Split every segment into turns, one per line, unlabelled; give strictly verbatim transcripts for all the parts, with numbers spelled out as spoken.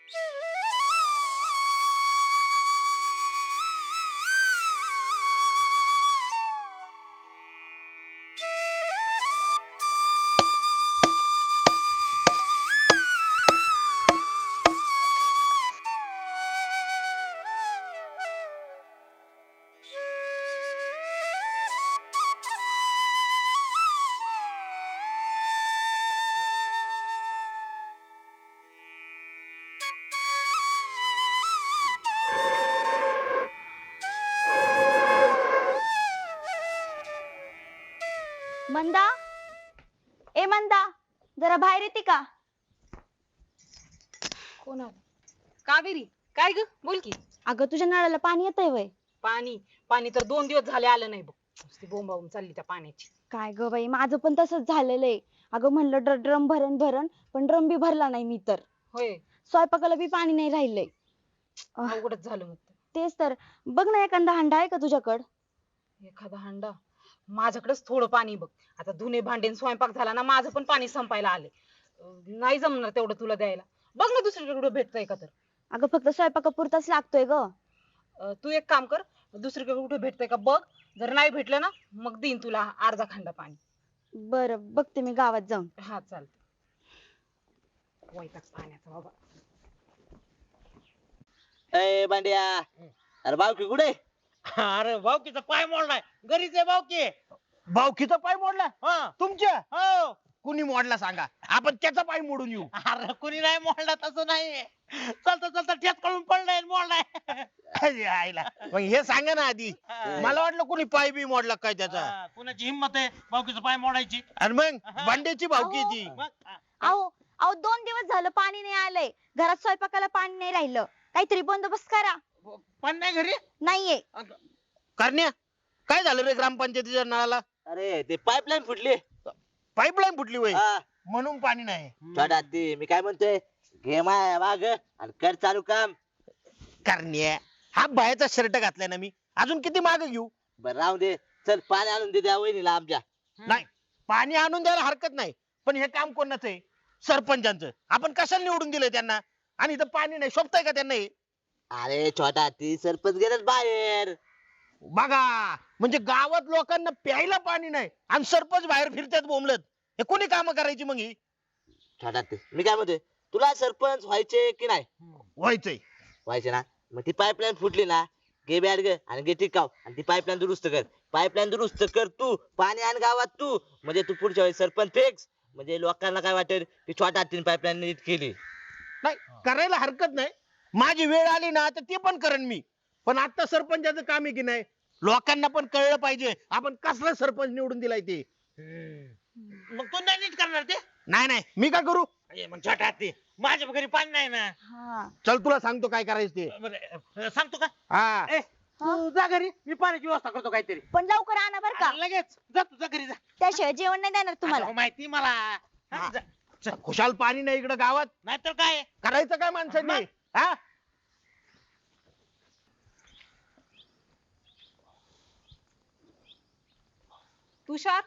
मंदा, ए मंदा, जरा बाहेर येते का?
कोण आलं? कावेरी, काय ग? बोल की.
अगं तुझ्या नळाला पाणी येतंय वय?
पाणी पाणी तर दोन दिवस झाले आलं नाही बघ. नुसती बोंबाबोंब चालली त्या पाण्याची.
काय ग बाई, माझं पण तसंच झालेलं आहे. अगं म्हणलं ड्र- ड्रम भरण भरण, पण ड्रम बी भरला नाही मी तर.
होय,
स्वयंपाकाला बी पाणी नाही राहिलंय. अह,
अवघडच झालं मग तर.
तेच तर. बघ ना एखादा हांडा आहे का तुझ्याकडं?
एखादा हांडा माझ्याकडेच थोडं पाणी बघ. आता धुणे भांडे आणि स्वयंपाक झाला ना, माझं पण पाणी संपायला आले. नाही जमणार तेवढं तुला द्यायला. बघ ना दुसरीकडे कुठं भेटतंय का तर.
अगं फक्त स्वयंपाकापुरताच लागतोय ग.
अं, तू एक काम कर, दुसरीकडे कुठे भेटतंय का बघ. जर नाही भेटलं ना, मग देईन तुला अर्धा खंडा पाणी.
बरं बघते मी गावात जाऊन.
हा चालतं. वैताग पाण्याचा बाबा.
ए बांड्या, अरे बावकी कुठे?
अरे भाऊकीचा पाय मोडलाय, घरीच आहे भाऊकी.
भावकीचा पाय मोडला
हा.
तुमच्या?
हो.
कुणी मोडला सांगा, आपण त्याचा पाय मोडून येऊ.
अरे कुणी नाही मोडला, तसं नाही. चलता चलता ठेच कळून पडलाय आणि मोडलाय.
अरे आईला. मग हे सांगा ना आधी, मला वाटलं कुणी पाय बी मोडला काय त्याचा.
हा, कुणाची हिंमत आहे भाऊकीचा पाय मोडायची?
आणि मग बांड्याची भावकी
अहो.
ती.
मग, हा.
अहो अहो दोन दिवस झालं पाणी नाही आलंय. घरात स्वयंपाकाला पाणी नाही राहिलं. काहीतरी बंदोबस्त करा.
पण नाही घरी.
नाहीये.
करण्या, काय झालं रे ग्रामपंचायतीच्या नळाला?
अरे ते पाईपलाईन फुटली.
पाईपलाईन फुटली वय,
हा,
म्हणून पाणी नाही.
छोटा ती मी काय म्हणतोय, घे माय माग आणि कर चालू काम.
करण्या, हा बायाचा शर्ट घातलाय ना मी, अजून किती माग घेऊ?
बर राहू दे, चल पाणी आणून दे त्या वहिनीला आमच्या.
नाही, पाणी आणून द्यायला हरकत नाही, पण हे काम कोणाचं आहे? सरपंचांचं. आपण कशाला निवडून दिलंय त्यांना? आणि इथं पाणी नाही, शोभतंय का त्यांना हे?
अरे छोटा ती सरपंच गेलेत बाहेर.
बघा, म्हणजे गावात लोकांना प्यायला पाणी नाही आणि सरपंच बाहेर फिरतात बोंबलत. हे कोणी काम करायची मग ही?
छोटा ती मी काय म्हणतोय, तुला सरपंच व्हायचे की नाही?
व्हायचंय.
व्हायचे ना, मग ती पाईपलाईन फुटली ना, घे बॅट ग आणि घे टिकाव आणि ती पाईपलाईन दुरुस्त कर. पाईपलाईन दुरुस्त कर तू, पाणी आण गावात तू, म्हणजे तू पुढच्या वेळेस सरपंच फिक्स. म्हणजे लोकांना काय वाटेल की छोटा तीन पाईपलाईन नीट केली.
नाही, करायला हरकत नाही. माझी वेळ आली ना तर ते पण करेन मी. पण आता सरपंचाचं काम आहे की नाही, लोकांना पण कळलं पाहिजे आपण कसला सरपंच निवडून दिलाय ते.
मग तू नाही नीट करणार ते?
नाही नाही, मी काय करू?
ए, मग छोटा ते माझ्या घरी पाणी नाही ना.
हा.
चल तुला सांगतो काय करायचं ते.
बरं, सांगतो का?
हा,
ए, तू जा घरी, मी पाण्याची व्यवस्था करतो काहीतरी.
पण लवकर आणा बर का.
अरे, लगेच जा, तुझ्या घरी जा.
त्याशिवाय जेवण नाही देणार तुम्हाला.
अरे, हो, माहिती मला. हा,
हा.
जा.
खुशाल पाणी नाही इकडे गावात,
नाहीतर काय.
करायचं काय माणसांनी? हा,
तुषार,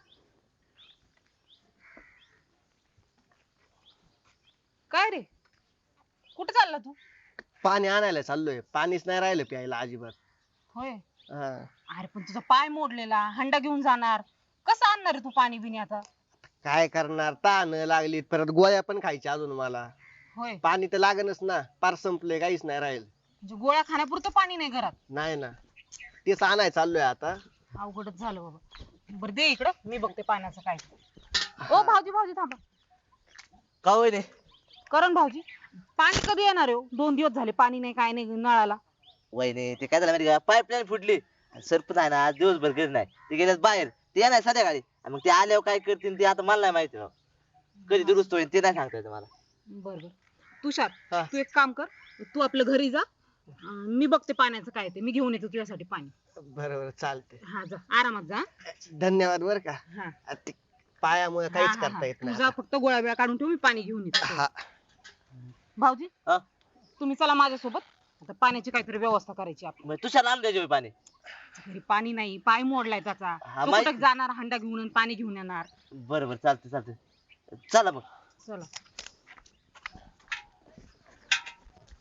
काय रे? कुठे चालला तू?
पाणी आणायला चाललोय, पाणीच नाही राहिलं प्यायला अजिबात.
होय.
हा.
अरे पण तुझा पाय मोडलेला, हंडा घेऊन जाणार कसं आणणार रे तू पाणी बिणी आता?
काय करणार, ताण लागली, परत गोळ्या पण खायच्या अजून मला.
होय,
पाणी तर लागणच ना, पार संपलंय, काहीच नाही राहील.
म्हणजे गोळ्या खाण्यापुरतं पाणी नाही घरात.
नाही ना, तेच आणाय चाललोय आता.
अवघडच झालं बाबा. बरं दे इकडं, मी बघते पाण्याचं काय. ओ भाऊजी भाऊजी थांबा.
का वहिनी?
करण भाऊजी, पाणी कधी येणार आहे हो? दोन दिवस झाले पाणी नाही, काय नाही नळाला.
वहिनी ते काय झालं माहिती का, पाईपलाईन फुटली. आणि सरपंच आहे ना आज दिवसभर घरी नाही, ते गेलेत बाहेर. ते येणार संध्याकाळी आणि मग ते आल्यावर काय करतील ते आता मला नाही माहिती राव. कधी दुरुस्त होईल ते नाही सांगता येत मला.
बर बर. तुषार,
हा.
तू एक काम कर, तू आपलं घरी जा. अं, मी बघते पाण्याचं काय ते, मी घेऊन येतो तुझ्यासाठी पाणी.
बरोबर, चालते.
हा जा, आरामात जा.
धन्यवाद बर का.
हा.
आ, ते पायामुळे
हा,
काहीच
हा,
करता
हा.
येत
तू
नाही
जा,
आता.
फक्त गोळ्या बिळ्या काढून ठेव, मी पाणी घेऊन येतो.
हा.
भाऊजी,
हा?
तुम्ही चला माझ्यासोबत. आता पाण्याची काहीतरी व्यवस्था करायची आपण.
मग तुझ्या लांब द्यायचे पाणी.
घरी पाणी नाही, पाय मोडलाय त्याचा.
हा,
तो
माहिती.
कुठं जाणार हंडा घेऊन आणि पाणी घेऊन येणार.
बरं बरं, चालतंय चालतंय. चला मग.
चला.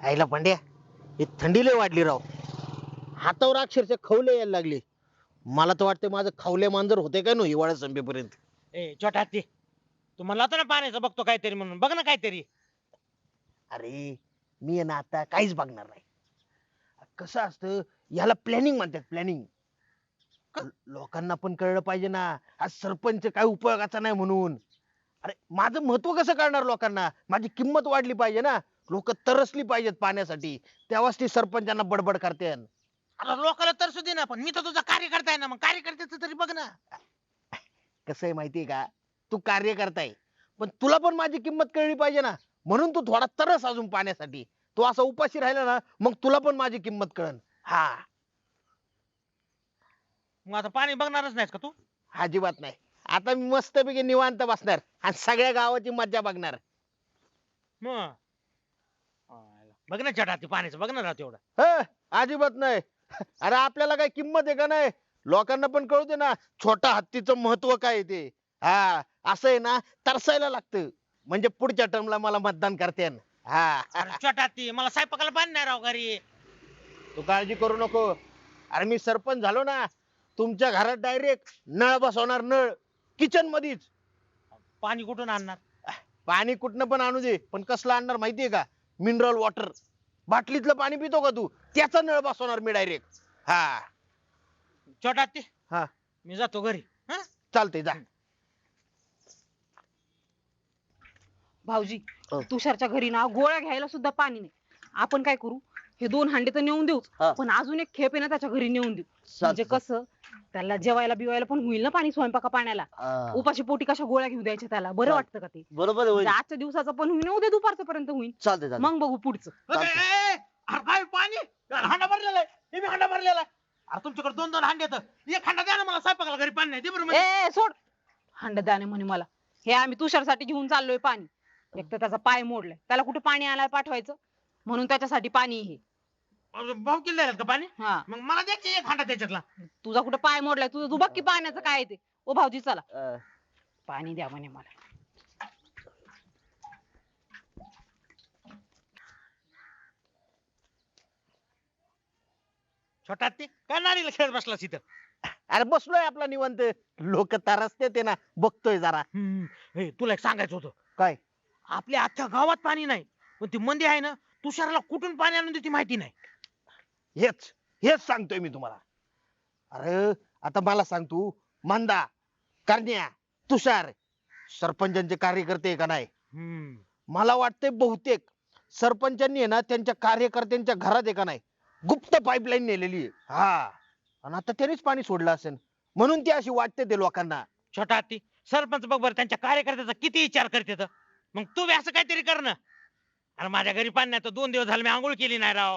आईला पांड्या ही थंडी लय वाढली राव. हातावर अक्षरशः खवले यायला लागले. मला तर वाटतं माझं खवले मांजर होते काय नो हिवाळा संपेपर्यंत.
ए छोटा हत्ती, तू म्हणला होता ना पाण्याचं बघतो काहीतरी म्हणून, बघ ना काहीतरी.
अरे मी आहे ना आता काहीच बघणार नाही. कसं असतं याला प्लॅनिंग म्हणतात प्लॅनिंग. लोकांना पण कळलं पाहिजे ना हा सरपंच काय उपयोगाचा नाही म्हणून. अरे माझं महत्व कसं कळणार लोकांना, माझी किंमत वाढली पाहिजे ना. लोक तरसली पाहिजेत पाण्यासाठी, तेव्हाच ती सरपंचांना बडबड करते.
अरे लोकांना तरसू दे ना, पण मी तर तुझा कार्यकर्ता आहे ना, मग कार्यकर्त्याचं तरी बघ ना.
कसं आहे माहितीये का, तू कार्य करताय पण तुला पण माझी किंमत कळली पाहिजे ना. म्हणून तू थोडा तरस अजून पाण्यासाठी. तू असा उपाशी राहिला ना मग तुला पण माझी किंमत कळन. हा
मग आता पाणी बघणारच नाहीस का तू?
अजिबात नाही. आता मी मस्तपैकी निवांत बसणार आणि सगळ्या गावाची मज्जा बघणार.
मग बघ ना छोटा हत्ती, पाण्याचं बघ ना राव तेवढं.
ह अजिबात नाही. अरे आपल्याला काय किंमत आहे का नाही, लोकांना पण कळू दे ना छोटा हत्तीचं महत्व काय आहे ते. हा असं आहे ना तरसायला लागतं म्हणजे पुढच्या टर्मला मला मतदान करते. हा
अरे छोटा हत्ती, मला स्वयंपाकाला पाणी नाही राव घरी.
तू काळजी करू नको. अरे मी सरपंच झालो ना, तुमच्या घरात डायरेक्ट नळ बसवणार, नळ किचन मध्येच.
पाणी कुठून आणणार?
पाणी कुठनं पण आणू दे, पण कसलं आणणार माहितीये का, मिनरल वॉटर. बाटलीतलं पाणी पितो का तू, त्याचा नळ बसवणार मी डायरेक्ट. हा
छोटा हत्ती,
हा
मी जातो घरी. हा
चालतंय जा.
भाऊजी
हो.
तुषारच्या घरी ना गोळ्या घ्यायला सुद्धा पाणी नाही. आपण काय करू, हे दोन हांडे तर नेऊन देऊ,
हा.
पण अजून एक खेप आहे ना त्याच्या घरी नेऊन देऊ.
चालतंय.
म्हणजे कसं त्याला जेवायला बिवायला पण होईल ना पाणी, स्वयंपाका पाण्याला.
हा.
उपाशी पोटी कशा गोळ्या घेऊ द्यायच्या त्याला, बरं
चाल-
वाटतं का ते?
बरोबर आहे, होईल.
म्हणजे आजच्या दिवसाचं पण होईल, उद्या दुपारचं पर्यंत होईल.
चालतंय चालतंय.
मग बघू पुढचं.
अरे, ए, अरे काय पाणी? यार, हांडा भरलेला आहे, हे बी हांडा भरलेला आहे. अरे तुमच्याकडे दोन दोन हांडे आहेत, एक हांडा द्या ना मला, स्वयंपाकाला घरी पाणी नाही. दे बरं म्हणजे.
ए सोड, हांड द्याने म्हणे मला. हे आम्ही तुषारसाठी घेऊन चाललोय पाणी. एक तर त्याचा पाय मोडलाय, त्याला कुठे पाणी आणायला पाठवायचं, म्हणून त्याच्यासाठी पाणी हे.
अरे, भाऊ किल्ले द्यायला का पाणी?
हा,
मग मला द्या की एक हांडा त्याच्यातला.
तुझा कुठे पाय मोडलाय, तुझं तू बघ की पाण्याचं काय आहे ते. ओ भाऊजी चला,
अं,
पाणी द्या म्हणे मला.
छोटा हत्ती, काय नारीला खेळत बसलास इथं?
अरे बसलोय आपला निवांत. लोक तरसते ते ना, बघतोय जरा.
हम्म, हे, तुला एक सांगायचं होतं.
काय
आपल्या अख्ख्या गावात पाणी नाही, पण ती मंदी आहे ना, तुषारला कुठून पाणी आणून देते माहिती नाही.
हेच हेच सांगतोय मी तुम्हाला. अरे आता मला सांग तू, मंदा, करण्या, तुषार सरपंचांचे कार्यकर्ते आहे का नाही.
हम्म,
मला वाटतंय बहुतेक सरपंचांनी आहे ना त्यांच्या कार्यकर्त्यांच्या घरात आहे का नाही गुप्त पाईपलाईन नेलेली आहे. हा आणि आता त्यांनीच पाणी सोडलं असेल म्हणून ती अशी वाटते ते लोकांना.
छोटा हत्ती, सरपंच बघ बरं त्यांच्या कार्यकर्त्याचा किती विचार करते तर. मग तू बी असं काहीतरी कर ना. अरे माझ्या घरी पाणी नाही तर दोन दिवस झाले मी आंघोळ केली नाही राव.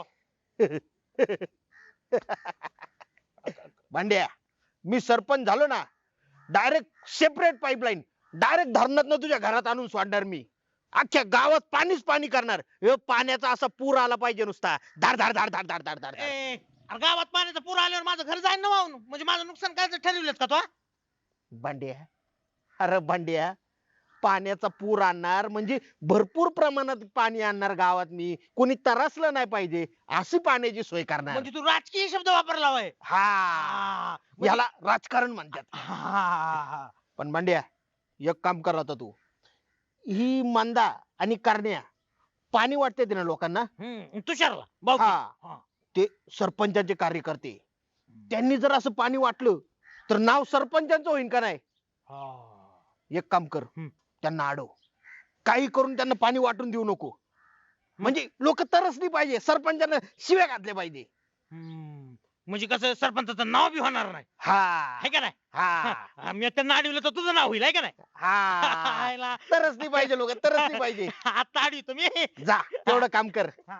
भांड्या, मी सरपंच झालो ना, डायरेक्ट सेपरेट पाईपलाईन डायरेक्ट धरणात तुझ्या घरात आणून सोडणार मी. अख्ख्या गावात पाणीच पाणी करणार. हे पाण्याचा असा पूर आला पाहिजे नुसता, धाड धाड धाड धाड धाड धाड धाड.
ए, अरे गावात पाण्याचा पूर आल्यावर माझं घर जाईन ना वाहून, म्हणजे माझं नुकसान करायचं ठरवलंच का तो?
भांड्या, अरे भांड्या, पाण्याचा पूर आणणार म्हणजे भरपूर प्रमाणात पाणी आणणार गावात मी. कोणी त्रासलं नाही पाहिजे अशी पाण्याची सोय करणार.
म्हणजे तू राजकीय शब्द वापरला होय.
हा
हा, म्हणजे-
याला राजकारण म्हणतात.
हा, हा, हा.
पण भांड्या, एक काम कर आता तू, ही मंदा आणि करण्या पाणी वाटते ते ना लोकांना.
हम्म, तुषारला भाऊ
हा.
हा.
ते सरपंचाचे कार्यकर्ते, त्यांनी जर असं पाणी वाटलं तर नाव सरपंचांचं होईल का नाही.
हा.
एक काम कर,
हम्म.
त्यांना अडव, काही करून त्यांना पाणी वाटून देऊ नको. म्हणजे लोक तरसली पाहिजे, सरपंचांना शिव्या घातल्या पाहिजे.
हम्म, म्हणजे कसं सरपंचाचं नाव बी होणार नाही,
हा
आहे का नाही?
हा
हा, मी त्यांना अडवलं तर तुझं नाव होईल, आहे का नाही?
हा
हायला.
तरसली पाहिजे, लोक तरसली पाहिजे.
आता अडवतो मी.
जा तेवढं काम कर.
हा.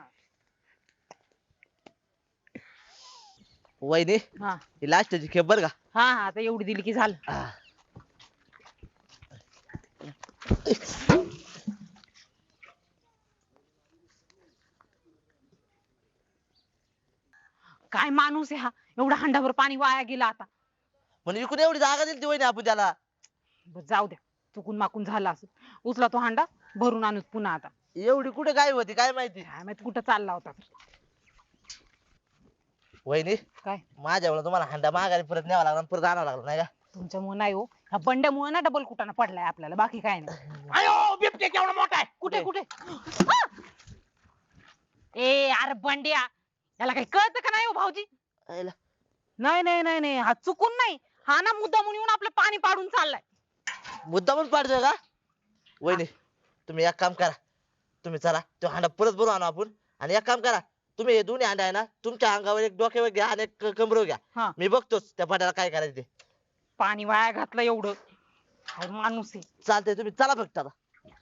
वहिनी,
हा
ही लास्टची खेप बर का.
हा हा, आता एवढी दिली की झालं.
हा.
काय माणूस आहे हा, एवढा हंडाभर पाणी वाया गेला आता.
म्हणजे इकडे एवढी जागा दिली ती वहिनी आपण त्याला.
बरं, जाऊ द्या, चुकून माकून झाला असं. उचला तो हांडा, भरून आणूच पुन्हा आता.
एवढी कुठे काय होती काय माहिती.
काय माहित कुठं चालला होता.
वहिनी
काय
माझ्यामुळे तुम्हाला हांडा माघारी परत न्यावा लागला आणि परत आणावं लागलं नाही का.
तुमच्यामुळे नाही हो, ह्या बंड्यामुळे ना डबल कुटाणा पडलाय आपल्याला, बाकी काय नाही.
अयो बिबटे केवढा मोठा आहे.
कुठे कुठे ए अरे बंड्या, याला काही कळतं का नाही हो भाऊजी?
आयला.
नाही नाही नाही नाही, हा चुकून नाही, हा ना मुद्दा म्हणून येऊन आपलं पाणी पाडून चाललाय.
मुद्दा पण पाडतोय का. वहिनी तुम्ही एक काम करा, तुम्ही चला तो हांडा परत भरून आणू आपण. आणि एक काम करा, तुम्ही हे दोन्ही हांडा आहे ना तुमच्या अंगावर एक डोक्यावर घ्या आणि एक कमरेवर घ्या.
हा.
मी बघतोच त्या पाट्याला काय करायचं ते.
पाणी वाया घातलं एवढं, काय माणूस आहे.
चालतंय तुम्ही चला फक्त आता.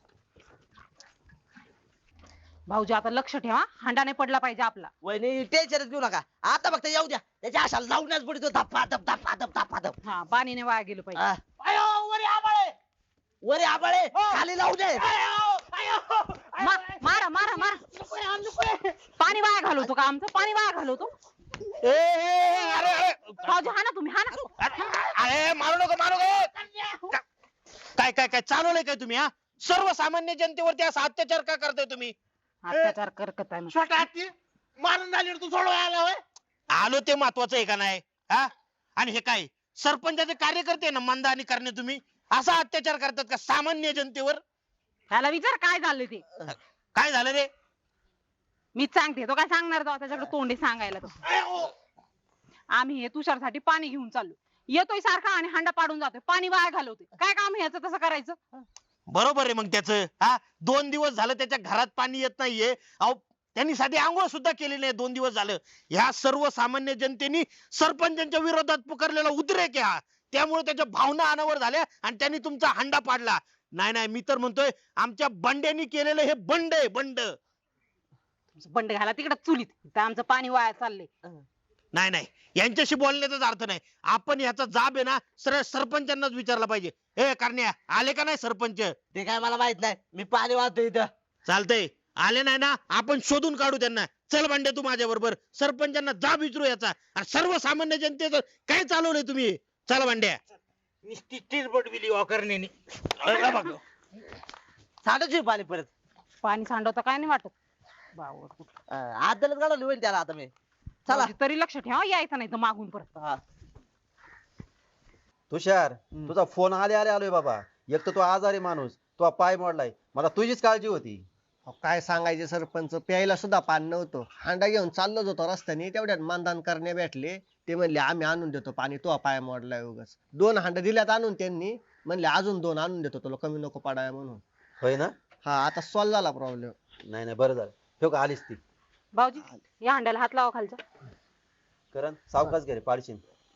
भाऊजी आता लक्ष ठेवा, हांडा नाही पडला पाहिजे आपला.
वहिनी टेन्शनच घेऊ नका, आता फक्त येऊ द्या. त्याच्या अशा लावण्याच पडतो धप्पा धप धप्पा धप धप्पा धप.
हा, पाणी नाही वाया गेलं पाहिजे.
हा.
अयो वरी आबाळे.
वरे आबाळे खाली लावू दे.
अयो अयो
मा- मारा मारा मारा, पाणी वाया घालवतो का आमचं? पाणी वाया घालवतो
ए, ए, अरे अरे
भाऊजी, हा ना तुम्ही, हा ना.
अरे अरे, मारू नको मारू नको. का- काय काय काय चालवलंय काय तुम्ही? हा सर्वसामान्य जनतेवरती असा अत्याचार का करताय तुम्ही?
अत्याचार करत आहे मग.
छोटा हत्ती मारून झाली तू सोडवाय आला होय? आलो ते महत्वाचं आहे का नाही? हा आणि हे काय सरपंचाचे कार्यकर्ते ना मंदानी करणे, तुम्ही असा अत्याचार करतात का सामान्य जनतेवर?
त्याला विचार काय झालं ते.
काय झालं रे?
मी सांगते, तो काय सांगणार? तो त्याच्याकडे तोंडी सांगायला. तो आम्ही हे तुषारसाठी पाणी घेऊन चाललो, येतोय सारखा आणि हांडा पाडून जातोय, पाणी वाया घालवतोय. काय काम आहे याचं तसं करायचं?
बरोबर आहे मग त्याचं. हा दोन दिवस झालं त्याच्या घरात पाणी येत नाहीये. अहो त्यांनी साधी आंघोळ सुद्धा केली नाही दोन दिवस झालं. ह्या सर्वसामान्य जनतेने सरपंचांच्या विरोधात पुकारलेला उद्रेक आहे हा. त्यामुळे त्याच्या भावना अनावर झाल्या आणि त्यांनी तुमचा हांडा पाडला. नाही नाही, मी तर म्हणतोय आमच्या बंड्यांनी केलेलं हे बंड आहे, बंड.
बंड घाला तिकडे चुलीत, इथं आमचं पाणी वाया चाललंय.
नाही नाही, यांच्याशी बोलण्याचाच अर्थ नाही. आपण याचा जाब आहे ना सरळ सरपंचांनाच विचारला पाहिजे. ए करण्या, आले का नाही सरपंच?
ते काय मला माहित नाही, मी पाणी वाहतोय इथं.
चालतंय, आले नाही ना आपण शोधून काढू त्यांना. चल बंड्या तू माझ्या बरोबर, सरपंचांना जाब विचारू याचा. आणि सर्वसामान्य जनतेचं काय चालवलंय तुम्ही? चल बंड्या.
नुसती टिरबट बिली वाकरण्याने
बघ
साठच पाणी परत.
पाणी सांडवतं काय नाही वाटत. बावड कुठं.
आदलच काढवली होईल त्याला आता मी. चला.
भाऊजी, तरी लक्ष ठेवा, यायचं नाही तर मागून परत.
हा.
तुषार तुझा फोन आले आले आलोय बाबा. एक तर तो आजारी माणूस, तो पाय मोडलाय, मला तुझीच काळजी होती.
अहो, काय सांगायचे सरपंच, प्यायला सुद्धा पाणी नव्हतं. हांडा घेऊन चाललोच होतो रस्त्याने, तेवढ्यात मानधन करणे भेटले. ते म्हणले आम्ही आणून देतो पाणी, तो पाय मोडलाय उगाच. दोन हांडा दिल्यात आणून त्यांनी, म्हणले अजून दोन आणून देतो तुला, कमी नको पडाय म्हणून.
होय ना?
हा, आता सॉल्व झाला प्रॉब्लेम.
नाही नाही, बरं झालं. ठेव का आलीस ती.
भाऊजी, या हांड्याला हात लावा खालचा.
करण सावकाश घे रे, पाडशीन.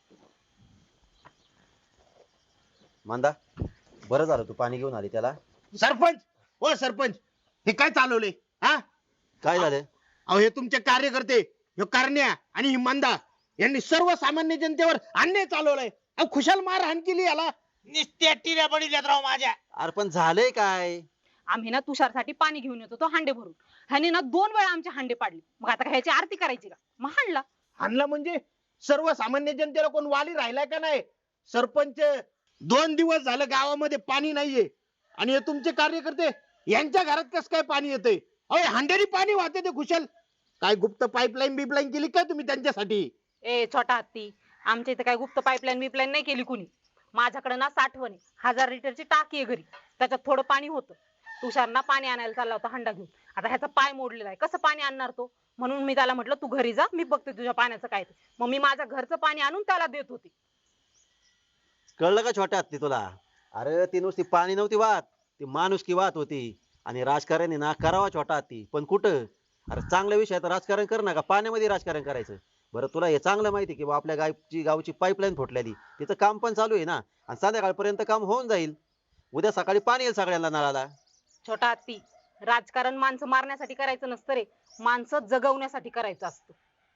मांदा बरं झालं तू पाणी घेऊन आली त्याला.
सरपंच, ओ सरपंच, हे काय चालवलंय? हा
काय झालं?
अहो हे तुमचे कार्यकर्ते, हे करण्या आणि ही मंदा यांनी सर्वसामान्य जनतेवर अन्याय चालवलाय. अहो खुशाल मारहाण केली याला. निस्त्या टिऱ्या बडील्यात राव माझ्या.
अरे पण झालंय काय?
आम्ही ना तुषारसाठी पाणी घेऊन येतो, तो हांडे भरून. ह्यानी ना दोन वेळा आमचे हांडे पाडले. मग आता ह्याची आरती करायची का? मग हाणला.
हाणला म्हणजे सर्वसामान्य जनतेला कोण वाली राहिलाय का नाही? सरपंच, दोन दिवस झालं गावामध्ये पाणी नाहीये आणि हे तुमचे कार्यकर्ते यांच्या घरात कस काय पाणी येतंय? अहो हांड्यानी पाणी वाहते ते खुशाल. काय गुप्त पाईपलाईन बिपलाईन केली काय तुम्ही त्यांच्यासाठी?
ए छोटा हत्ती, आमच्या इथे काय गुप्त पाईपलाईन बिपलाईन नाही केली कुणी. माझ्याकडे ना साठवण आहे, हजार लिटरची टाकी आहे घरी, त्याच्यात थोडं पाणी होतं. तुषारना पाणी आणायला चालला होता हांडा घेऊन. आता ह्याचा पाय मोडलेला आहे, कसं पाणी आणणार तो? म्हणून मी त्याला म्हटलं तू घरी जा, मी बघते तुझ्या पाण्याचं काय ते. मग मी माझ्या घरचं पाणी आणून त्याला देत होते.
कळलं का छोट्या हत्ती तुला? अरे ती नुसती पाणी नव्हती वाहत, ती माणुसकी वाहत होती. आणि राजकारणी ना करावा छोटा हत्ती, पण कुठं? अरे चांगल्या विषयात राजकारण कर ना, का पाण्यामध्ये राजकारण करायचं? बरं तुला हे चांगलं माहिती की बा आपल्या गावची गावची पाईपलाईन फुटलेली, तिचं काम पण चालू आहे ना, आणि संध्याकाळपर्यंत काम होऊन जाईल. उद्या सकाळी पाणी येईल सगळ्यांना नळाला.
छोटा हत्ती, राजकारण माणसं मारण्यासाठी करायचं नसतं रे, माणसं जगवण्यासाठी करायचं असतं.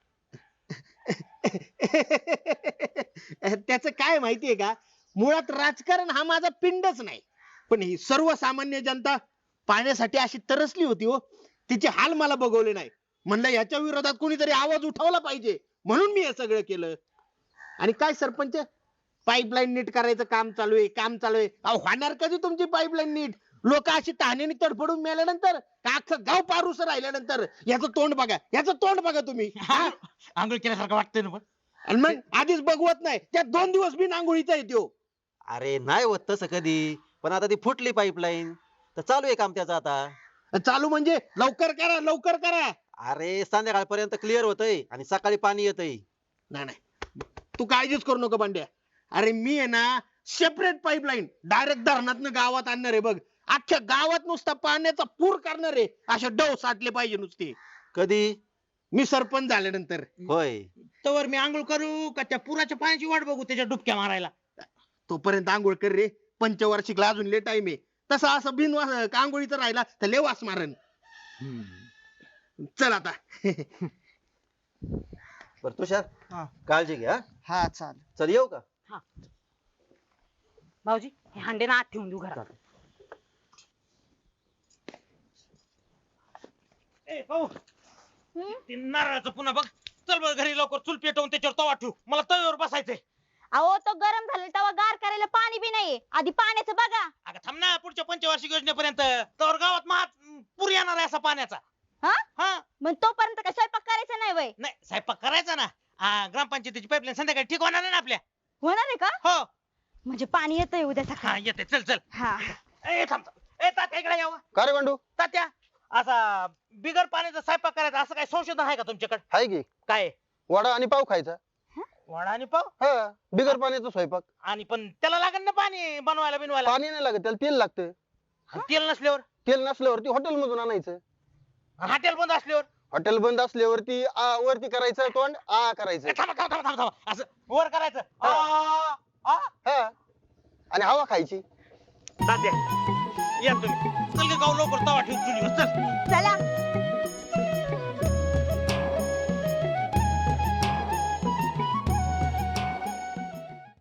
त्याच काय माहितीये का, मुळात राजकारण हा माझा पिंडच नाही, पण ही सर्वसामान्य जनता पाण्यासाठी अशी तरसली होती हो, तिचे हाल मला बघवले नाही. म्हणलं याच्या विरोधात कोणीतरी आवाज उठवला पाहिजे, म्हणून मी हे सगळं केलं. आणि काय सरपंच, पाईपलाईन नीट करायचं काम चालू आहे, काम चालू आहे. अहो होणार कधी तुमची पाईपलाईन नीट? लोक अशी तहानेने तडफडून मेल्यानंतर का अख्खं गाव पारूस राहिल्यानंतर याचं तोंड बघा याचं तोंड बघा तुम्ही हा?
आंघोळ केल्यासारखं वाटतंय ना पण
आणि मग आधीच बघवत नाही त्यात दोन दिवस बिन आंघोळीचा येतो.
अरे नाही होत तसं कधी, पण आता ती फुटली पाईपलाईन तर चालू आहे काम त्याचं आता.
चालू म्हणजे लवकर करा लवकर करा.
अरे संध्याकाळपर्यंत क्लिअर होतंय आणि सकाळी पाणी येतंय.
नाही नाही तू काळजीच करू नको बंड्या. अरे मी आहे ना सेपरेट पाईपलाईन डायरेक्ट धरणातनं गावात आणणार आहे बघ. अख्ख्या गावात नुसता पाण्याचा पूर करणार आहे. असे डव साठले पाहिजे नुसते.
कधी?
मी सरपंच झाल्यानंतर.
होय.
तवर मी आंघोळ करू का त्या पुराच्या पाण्याची वाट बघू त्याच्या डुबक्या मारायला?
तोपर्यंत आंघोळ कर रे. पंचवार्षिकला अजून लय टाइम आहे. तसं असं बिन आंघोळीचं राहिला तर लय वास मारन. चल आता.
बर तुषार
हा.
काळजी घ्या.
हा चाल.
चल येऊ का?
भाऊजी हे हांडे ना आत ठेवून देऊ घरात.
ए भाऊ ते नारळाचं पुन्हा बघ. चल बघ घरी लवकर चूल पेटवून त्याच्यावर तवा ठेवू. मला तव्यावर बसायचंय.
अहो तो गरम झाला तेव्हा गार करायला पाणी बी नाहीये. आधी पाण्याचं बघा.
अगं थांब ना पुढच्या पंचवार्षिक योजनेपर्यंत. तवर गावात महा पूर येणार आहे असा पाण्याचा.
हा
हा
मग तोपर्यंत काय स्वयंपाक करायचा नाही वय?
नाही स्वयंपाक करायचा ना. हा, ग्रामपंचायतीची पाईपलाईन संध्याकाळी ठीक होणार आहे ना आपल्या.
होणार आहे का?
हो
म्हणजे पाणी येतंय उद्या
हा
सकाळी.
येते. चल चल.
हा
ए थांब थांब. ए तात्या इकडे यावं.
का रे बंडू?
तात्या असा बिगर पाण्याचा स्वयंपाक करायचा असं काय संशोधन आहे का तुमच्याकडे?
हाय की
काय
वडा आणि पाव खायचा.
वडा आणि पाव?
हा बिगर पाण्याचा स्वयंपाक.
आणि पण त्याला लागेल ना पाणी बनवायला बिनवायला.
पाणी नाही लागत त्याला तेल लागतं.
आणि तेल नसल्यावर?
तेल नसल्यावरती हॉटेल मधून आणायचं.
हॉटेल बंद असल्यावर?
हॉटेल बंद असल्यावरती आ वरती करायचं तोंड आ करायचं.
ए, थांबा थांबा थांबा थांबा. असं वर करायचं. आ, आ.
हा आणि हवा खायची.
तात्या या तुम्ही. चल ग गाव लवकर तवा ठेवून चुलीवर चल.
चला